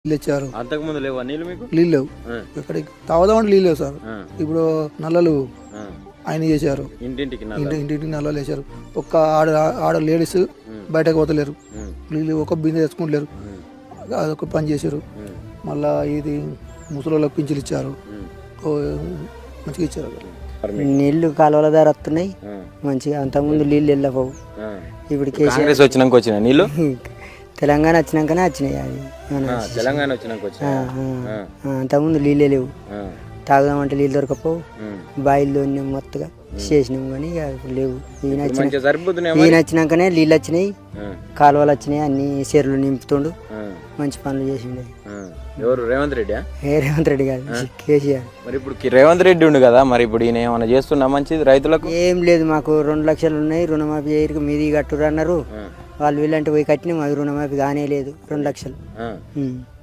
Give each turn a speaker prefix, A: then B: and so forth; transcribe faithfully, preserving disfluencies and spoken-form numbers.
A: నీళ్ళు ఇచ్చారు.
B: అంతకు ముందు లేవా నీళ్ళు మీకు?
A: నీళ్ళు లేవు, ఇక్కడికి తాగుదామంటే నీళ్ళు లేవు సార్. ఇప్పుడు నల్లలు ఆయన చేశారు,
B: ఇంటింటికి
A: ఇంటి ఇంటింటికి నల్లలు వేశారు. ఒక్క ఆడ ఆడ లేడీస్ బయటకు పోతలేరు, నీళ్ళు ఒక బిందె తెచ్చుకుంటలేరు, అదొక పని చేశారు. మళ్ళా ఇది ముసలోళ్ళకి పింఛలు ఇచ్చారు, మంచిగా ఇచ్చారు.
C: నీళ్లు కాలువల ద్వారా వస్తున్నాయి మంచిగా, అంతకుముందు నీళ్ళు వెళ్ళపోవు. ఇప్పుడు
B: కాంగ్రెస్ వచ్చినాక వచ్చిన నీళ్ళు
C: తెలంగాణ వచ్చినాకనే వచ్చినాయి. అది
B: తెలంగాణ వచ్చినాక
C: అంతకుముందు నీళ్ళే లేవు, తాగుదామంటే నీళ్ళు దొరకపోవు. బాయిల్లో మొత్తగా చేసినాం కానీ ఇప్పుడు లేవు. ఈయన ఈయన వచ్చినాకనే నీళ్ళు వచ్చినాయి, కాలువలు వచ్చినాయి, అన్ని చెరువులు నింపుతుండు, మంచి పనులు చేసిండే.
B: ఎవరు? రేవంత్ రెడ్డి?
C: ఏ రేవంత్ రెడ్డి కాదు, కేసీఆర్.
B: మరి ఇప్పుడు రేవంత్ రెడ్డి ఉండు కదా, మరి ఇప్పుడు ఈయన ఏమైనా చేస్తున్నా మంచిది రైతులకు?
C: ఏం లేదు, మాకు రెండు లక్షలు ఉన్నాయి రుణమాఫీ చేయరు, మీది కట్టురు అన్నారు. వాళ్ళు వీళ్ళంటే పోయి కట్టినాం, అది రుణమాఫీ కానే లేదు. రెండు లక్షలు